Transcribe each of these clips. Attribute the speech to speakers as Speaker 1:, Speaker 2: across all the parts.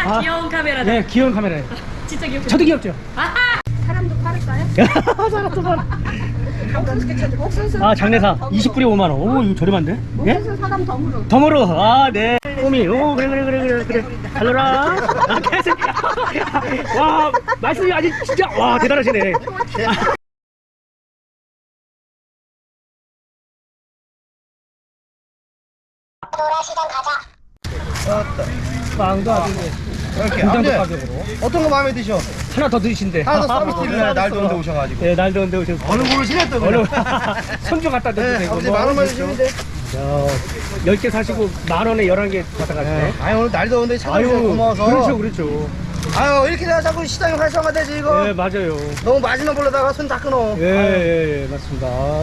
Speaker 1: 귀여운 카메라다.
Speaker 2: 네, 귀여운 카메라예요.
Speaker 1: 진짜 귀엽죠?
Speaker 2: 저도 귀엽죠?
Speaker 1: 아하!
Speaker 3: 사람도 팔을까요?
Speaker 2: 사람도 팔아.
Speaker 3: 옥수수.
Speaker 2: 아, 장내사 20불에 5만원. 오, 이거 저렴한데? 예?
Speaker 3: 옥수수 사람 덤으로.
Speaker 2: 덤으로. 아, 네. 꼬미. 오, 그래. 달러라. 아, 개새끼야. 와, 말씀이 아직 진짜, 와, 대단하시네. 빵도 아주
Speaker 4: 이렇게
Speaker 2: 굉장히
Speaker 4: 아무튼
Speaker 2: 가격으로
Speaker 4: 어떤 거 마음에 드셔?
Speaker 2: 하나 더 드신대.
Speaker 4: 하나 더 서비스 드리려고 날 더운데 오셔가지고.
Speaker 2: 네, 날 더운데 오셔서
Speaker 4: 어느 고르시네 또
Speaker 2: 어느
Speaker 4: 그냥.
Speaker 2: 손주 갖다 드도
Speaker 4: 네,
Speaker 2: 되고
Speaker 4: 아버지 만 원만 주시면 돼.
Speaker 2: 10개 사시고 만 원에 11개 받아가시네.
Speaker 4: 아유 오늘 날 더운데 찾아주셔서 고마워서.
Speaker 2: 그렇죠.
Speaker 4: 아유 이렇게 내가 자꾸 시장이 활성화되지 이거.
Speaker 2: 네, 맞아요.
Speaker 4: 너무 마지막 보려다가 손 다 끊어.
Speaker 2: 예, 맞습니다.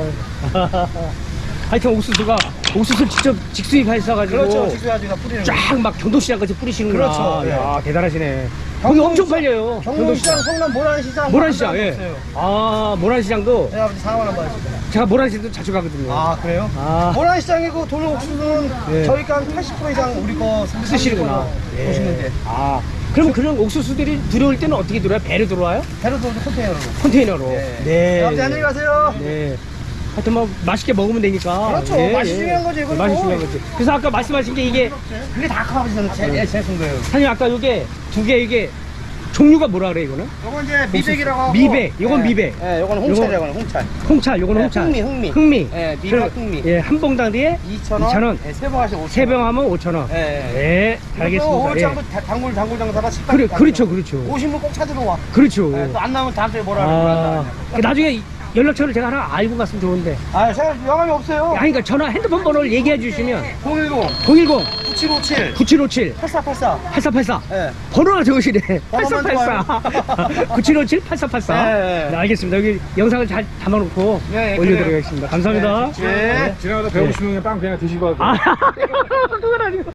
Speaker 2: 하여튼 옥수수를 직접 직수입하셔가지고
Speaker 4: 그렇죠. 직수야지가 뿌리는 거.
Speaker 2: 쫙 막 경도시장 같이 뿌리시는구나.
Speaker 4: 그렇죠, 예.
Speaker 2: 야, 대단하시네. 거기 엄청 팔려요.
Speaker 4: 경동시장, 성남 모란시장.
Speaker 2: 모란시장, 예. 아, 모란시장도
Speaker 4: 네 아버지 상황 한번 하시죠.
Speaker 2: 제가 모란시장도 자주 가거든요.
Speaker 4: 아 그래요?
Speaker 2: 아.
Speaker 4: 모란시장이고 돌 옥수수는
Speaker 2: 예.
Speaker 4: 저희가 한 80% 이상 우리 거
Speaker 2: 쓰시는구나. 예.
Speaker 4: 보시는데
Speaker 2: 아, 그럼 그런 옥수수들이 들어올 때는 어떻게 들어와요? 배로 들어와요?
Speaker 4: 배로 들어오죠 컨테이너로.
Speaker 2: 컨테이너로.
Speaker 4: 네.
Speaker 2: 네.
Speaker 4: 아버지 안녕히 가세요.
Speaker 2: 네. 하여튼 뭐 맛있게 먹으면 되니까.
Speaker 4: 그렇죠. 맛이 중요한 거지, 이건
Speaker 2: 맛이
Speaker 4: 뭐.
Speaker 2: 중요한 거지. 그래서 아까 말씀하신 게 이게
Speaker 4: 그게 다 아버지는 제쓴 거예요.
Speaker 2: 사장님 아까 이게 두 개 이게 종류가 뭐라 그래 이거는?
Speaker 4: 요건 이제 미백이라고 하고.
Speaker 2: 미백. 요건 미백.
Speaker 4: 예, 요거는 홍찰이라고 하는 홍찰.
Speaker 2: 홍차, 요거는
Speaker 4: 네,
Speaker 2: 홍차.
Speaker 4: 흥미.
Speaker 2: 흥미.
Speaker 4: 예, 미백
Speaker 2: 그럼,
Speaker 4: 흥미.
Speaker 2: 예, 한 봉당 뒤에
Speaker 4: 2,000원.
Speaker 2: 2,000원.
Speaker 4: 예, 세병 하시면 5,000원.
Speaker 2: 세 병 하면 5,000원.
Speaker 4: 예, 예.
Speaker 2: 네, 알겠습니다.
Speaker 4: 오월장도
Speaker 2: 예.
Speaker 4: 단골 장사가 식당.
Speaker 2: 그렇죠.
Speaker 4: 오신 분 꼭 찾으러 와.
Speaker 2: 그렇죠.
Speaker 4: 예, 또 안 나오면 다음 주에 뭐라
Speaker 2: 아,
Speaker 4: 그러는데.
Speaker 2: 나중에 연락처를 제가 하나 알고 갔으면 좋은데.
Speaker 4: 아, 제가 영감이 없어요.
Speaker 2: 아니, 그러니까 전화 핸드폰 번호를 얘기해 주시면
Speaker 4: 010
Speaker 2: 010
Speaker 4: 9757
Speaker 2: 9757
Speaker 4: 8484.
Speaker 2: 8484
Speaker 4: 예.
Speaker 2: 번호가 좋으시네.
Speaker 4: 번호만
Speaker 2: 8484 9757 8484
Speaker 4: 네.
Speaker 2: 네, 알겠습니다. 여기 영상을 잘 담아놓고
Speaker 4: 네,
Speaker 2: 올려드리겠습니다. 감사합니다.
Speaker 4: 네.
Speaker 5: 지나가다 배고프시면 빵 그냥 드시고 가세요.
Speaker 2: 아, 그건 아니고.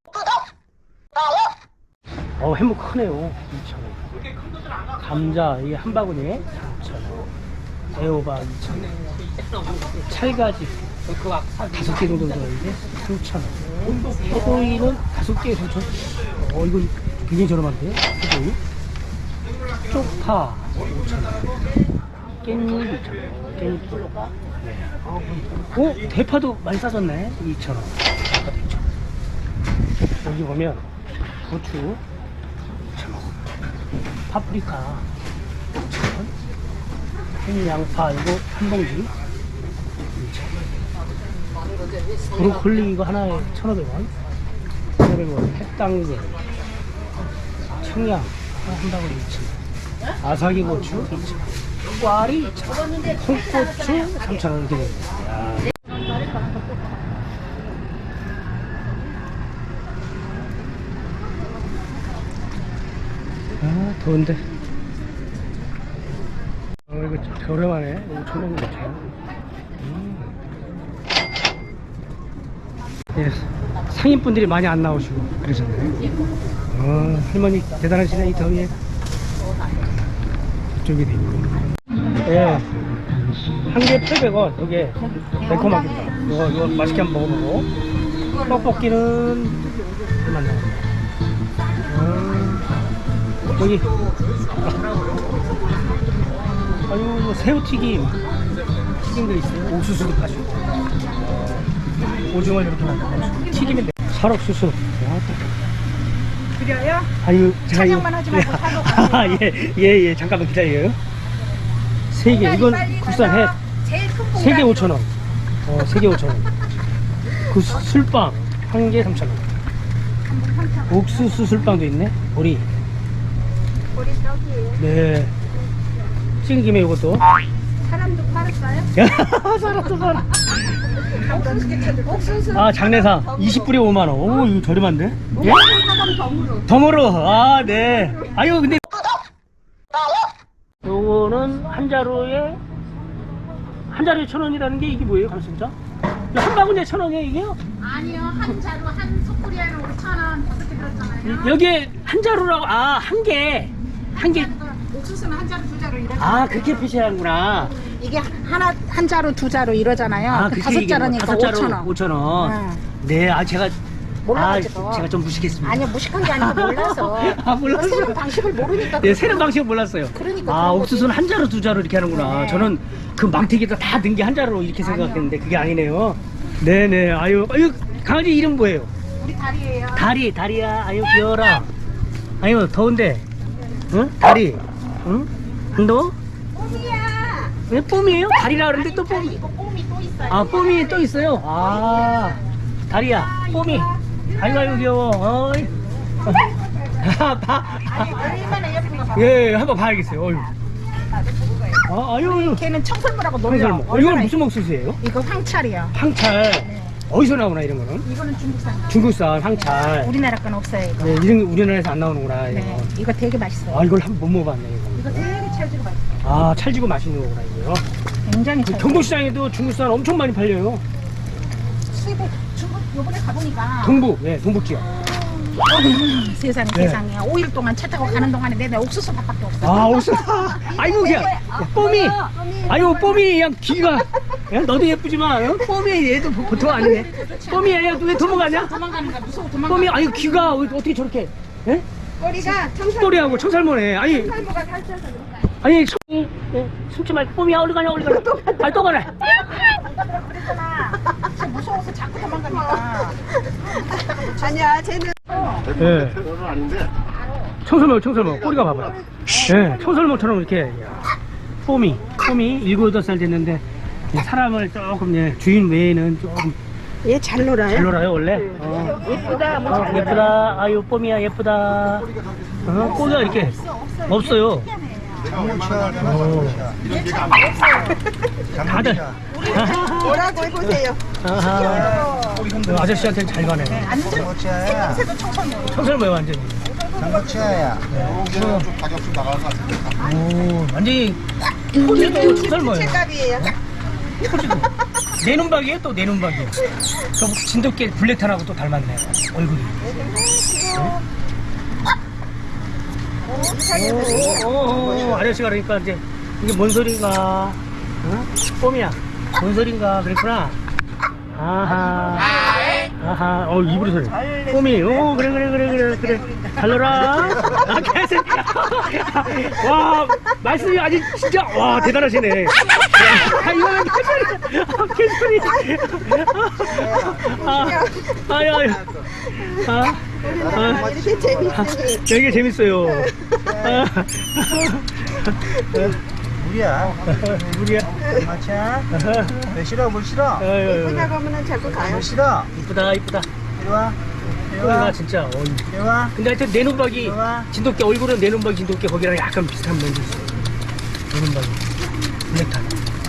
Speaker 2: 해묵 크네요. 2,000원. 감자 이게 한 바구니에 3,000원. 애호박 2,000원. 찰가지 5개 정도 들어있는데 3,000원. 해동이는 5개에 3,000원. 이거 굉장히 저렴한데? 해동이? 쪽파 5,000원. 깻잎 2,000원. 깻잎. 대파도 많이 싸졌네. 2,000원. 여기 보면 고추 2,000원. 파프리카 5,000원. 흰양파 이거 한 봉지 2,000원. 브로콜리 이거 하나에 1,500원. 1,500원. 햇당근 청양 한 방울 2,000원. 아삭이 고추 2,000원. 꽈리 2,000원. 홍고추 3,000원 이렇게 됩니다. 아, 더운데. 이거 좀 저렴하네. 5,000원 괜찮아. 예, 상인분들이 많이 안 나오시고 그러셨네. 할머니 대단하시네. 이 더위에 이쪽이 돼 있고. 예, 한 개에 800원. 이게 매콤하겠다. 이거 맛있게 한번 먹어보고. 떡볶이는 얼마 나왔나? 여기 아유, 새우튀김 튀김도 있어요. 옥수수도 파시고 오징어 이렇게 만들어 튀김인데 살옥수수.
Speaker 3: 그래요?
Speaker 2: 아유, 제가
Speaker 3: 찬양만 하지 말고 사먹어요.
Speaker 2: 예, 잠깐만 기다려요. 3개 이건 국산 해.
Speaker 3: 제일 큰
Speaker 2: 3개 5,000원. 3개 5,000원. 그 술빵 한 개 3,000원. 옥수수 술빵도 있네. 보리.
Speaker 3: 우리 떡이에요.
Speaker 2: 네. 찍은 김에 이것도.
Speaker 3: 사람도 팔을까요?
Speaker 2: 사람도 팔아.
Speaker 3: 옥수수.
Speaker 2: 아, 장내사 20불에 5만원. 오, 이거 저렴한데? 예?
Speaker 3: 옥수수 사람 덤으로.
Speaker 2: 덤으로. 아, 네. 아유, 근데 요거는 한 자루에 1,000원이라는 게 이게 뭐예요, 감순자? 한 바구니에 1,000원이에요, 이게요?
Speaker 3: 아니요, 한 자루 한 소쿠리에는 5,000원 그렇게 들었잖아요.
Speaker 2: 여기에 한 자루라고. 아, 한 개.
Speaker 3: 옥수수는 한 자루 두 자루 이러잖아요.
Speaker 2: 아, 그렇게 표시하는구나.
Speaker 3: 이게 하나 한 자루 두 자루 이러잖아요. 그
Speaker 2: 그렇게
Speaker 3: 다섯
Speaker 2: 얘기하는
Speaker 3: 자루니까
Speaker 2: 거야.
Speaker 3: 5,000원.
Speaker 2: 5,000원.
Speaker 3: 응.
Speaker 2: 네, 제가
Speaker 1: 몰라가지고.
Speaker 2: 제가 좀 무식했습니다.
Speaker 1: 아니요, 무식한 게 아니고 몰라서.
Speaker 2: 아, 몰랐어요.
Speaker 1: 새로운 방식을 모르니까.
Speaker 2: 네, 새로운 방식은 몰랐어요.
Speaker 1: 그러니까
Speaker 2: 아,
Speaker 1: 그런 거지.
Speaker 2: 옥수수는 한 자루 두 자루 이렇게 하는구나.
Speaker 1: 네.
Speaker 2: 저는 그 망태기에다 다 넣은 게 한 자루로 이렇게 생각했는데 그게 아니네요. 네네. 아유, 강아지 이름 뭐예요?
Speaker 1: 우리 다리예요.
Speaker 2: 다리야. 아유, 귀여워라. 아유, 더운데. 응? 다리. 응? 안 더워?
Speaker 1: 뽀미야.
Speaker 2: 왜 뽐이에요? 다리라 그러는데 또 뽐.
Speaker 1: 이거 뽀미 또 있어요.
Speaker 2: 아, 뽐이 또 있어요. 아, 다리야. 뽐이. 아유, 귀여워. 어이.
Speaker 1: 아니, 얼마나 예쁜가 봐.
Speaker 2: 예, 한번 봐야겠어요. 어휴. 아유.
Speaker 1: 걔는 청설모라고 놀려.
Speaker 2: 청설모. 이건 무슨 옥수수예요?
Speaker 1: 이거 황찰이요.
Speaker 2: 황찰. 어디서 나오나 이런 거는?
Speaker 1: 이거는 중국산.
Speaker 2: 중국산 황찰.
Speaker 1: 우리나라 건 없어요, 이거.
Speaker 2: 네, 이런 거 우리나라에서 안 나오는구나. 이거.
Speaker 1: 네, 이거 되게 맛있어요.
Speaker 2: 아, 이걸 한번 못 먹어봤네. 이거.
Speaker 1: 이거 되게 찰지고 맛있어요.
Speaker 2: 아, 찰지고 맛있는 거구나 이거요.
Speaker 1: 굉장히
Speaker 2: 그
Speaker 1: 찰지고.
Speaker 2: 경북시장에도 중국산 엄청 많이 팔려요.
Speaker 1: 수입을 중국 요번에 가보니까
Speaker 2: 동북, 네, 동북 지역.
Speaker 1: 세상에
Speaker 2: 네.
Speaker 1: 세상에 5일 동안 차 타고 가는 동안에 내내 옥수수 밥밖에 없어.
Speaker 2: 아, 옥수수. 아이고, 그냥 뽀미. 아이고, 뽀미 그냥 귀가. 야, 너도 예쁘지만 어? 뽀미 얘도 보통 아니네. 뽀미 얘 왜 도망가냐?
Speaker 1: 도망가는 거야 무서워 도망가.
Speaker 2: 뽀미 아이고 귀가 어떻게 저렇게? 예?
Speaker 1: 꼬리가
Speaker 2: 똘이하고 청살모네. 아니,
Speaker 1: 청설모가 살쪄서 그런 거야.
Speaker 2: 아니, 숨지 말고 뽀미야 어디 가냐? 아니 또 가네.
Speaker 1: 그랬잖아. 진짜 무서워서 자꾸 도망가니까.
Speaker 3: 아니야, 쟤는
Speaker 2: 예. 청설모 꼬리가 봐봐요. 예, 청설모처럼 이렇게 뽀미 7, 8살 됐는데 사람을 조금 주인 외에는 조금
Speaker 3: 얘 잘 놀아요.
Speaker 2: 잘 놀아요 원래.
Speaker 1: 예쁘다.
Speaker 2: 예쁘다. 아유 뽀미야 예쁘다. 꼬리가 이렇게 없어요. 다들
Speaker 3: 뭐라고 해보세요.
Speaker 2: 아하. 아저씨한테는 잘 가네.
Speaker 1: 완전 생김새도 청설모.
Speaker 2: 청설모야 완전히.
Speaker 4: 장구치아야.
Speaker 5: 좀 가격 좀 나갈 것 같은데.
Speaker 2: 오, 완전히 토지도 청설모예요.
Speaker 3: 값이에요.
Speaker 2: 내 눈박이에요 또 내 눈박이에요. 저 진돗개 블랙탄하고 또 닮았네 얼굴이. 오, 아저씨가 그러니까 이제 이게 뭔 소린가? 응? 뽀미야 뭔 소린가 그랬구나. 아하 입으로 소리. 뽀미 그래 잘 놀아. 아 개새. 와 말씀이 아주 진짜 와 대단하시네. 야, 이거는 개소리. 아유.
Speaker 3: 이렇게 재밌으니.
Speaker 2: 되게 재밌어요.
Speaker 4: 우리야.
Speaker 2: 우리야.
Speaker 4: 마차. 왜 싫어? 뭘 싫어?
Speaker 3: 예쁘다고 하면 자꾸 가요.
Speaker 4: 뭘 싫어?
Speaker 2: 이쁘다.
Speaker 4: 이리 와. 이리
Speaker 2: 와
Speaker 4: 와.
Speaker 2: 진짜.
Speaker 4: 이리 와.
Speaker 2: 근데 하여튼 내 눈박이
Speaker 4: 좋아.
Speaker 2: 진돗개 얼굴은 내 눈박이 진돗개 거기랑 약간 비슷한 면이 있어요. 내 눈박이 블랙탄.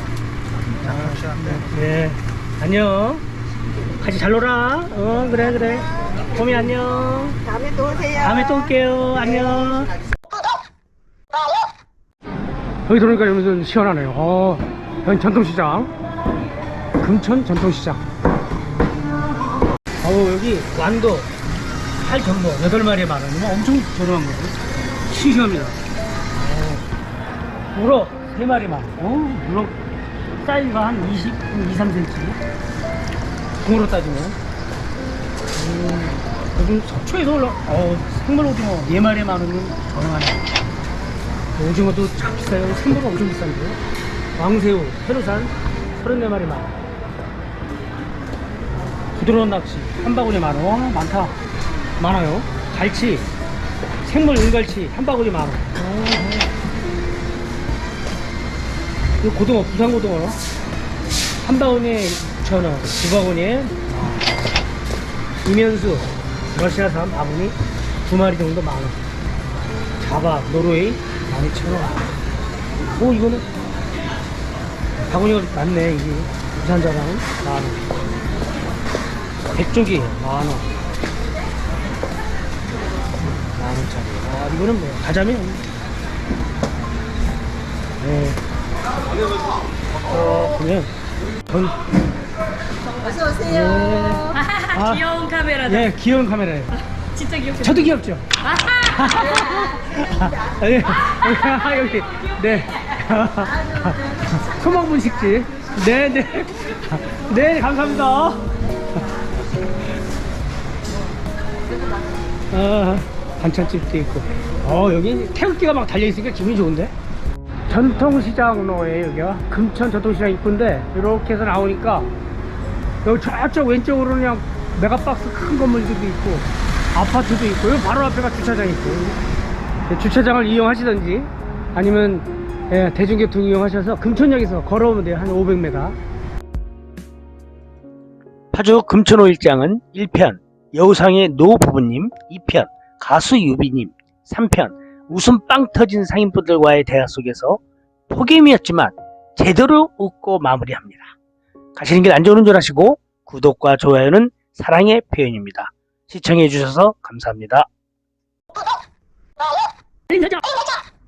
Speaker 2: 네 안녕. 같이 잘 놀아. 그래. 봄이 안녕.
Speaker 3: 다음에 또 오세요.
Speaker 2: 다음에 또 올게요. 안녕. 여기 들어오니까 여기는 시원하네요. 여기 전통시장. 금천 전통시장. 여기 완도, 팔전도 8마리에 10,000원이면 엄청 저렴한 거죠. 싱싱합니다. 우럭 3마리 10,000원. 우럭 사이즈가 한 2, 3cm. 공으로 따지면. 요즘 속초에서 올라, 생물 오징어 4마리에 10,000원이면 저렴하네. 오징어도 참 비싸요. 생물은 엄청 비싼데요. 왕새우, 해루산 34마리 10,000원. 부드러운 낚시 한 바구니 10,000원. 많다. 많아요. 갈치, 생물 은갈치 한 바구니 10,000원. 이거 고등어, 부산 고등어 한 바구니에 6,000원, 두 바구니에 이면수, 러시아산 바구니 2마리 정도 10,000원. 자박, 노르웨이 12,000원. 이거는 바구니가 많네. 이게 부산 자박은 10,000원. 백조기 10,000원. 10,000원짜리. 이거는 뭐 가자면 네. 그러면 전
Speaker 3: 어서 오세요.
Speaker 2: 네.
Speaker 6: 귀여운 카메라다.
Speaker 2: 네, 귀여운 카메라예요.
Speaker 6: 진짜 귀엽게.
Speaker 2: 저도 귀엽죠? 네. 여기, 네. 소망분식집. 네네. 네, 감사합니다. 반찬집도 있고. 여기 태극기가 막 달려있으니까 기분이 좋은데? 전통시장로에 여기가 금천 전통시장 입구인데, 이렇게 해서 나오니까 여기 저쪽 왼쪽으로는 그냥 메가박스 큰 건물들도 있고 아파트도 있고, 여기 바로 앞에가 주차장 있고, 주차장을 이용하시든지 아니면 대중교통 이용하셔서 금천역에서 걸어오면 돼요. 한 500m. 파주 금천오일장은 1편 여우상의 노 부부님, 2편 가수 유비님, 3편 웃음 빵 터진 상인분들과의 대화 속에서 폭임이었지만 제대로 웃고 마무리합니다. 가시는 길 안전운전 하시고, 구독과 좋아요는 사랑의 표현입니다. 시청해 주셔서 감사합니다.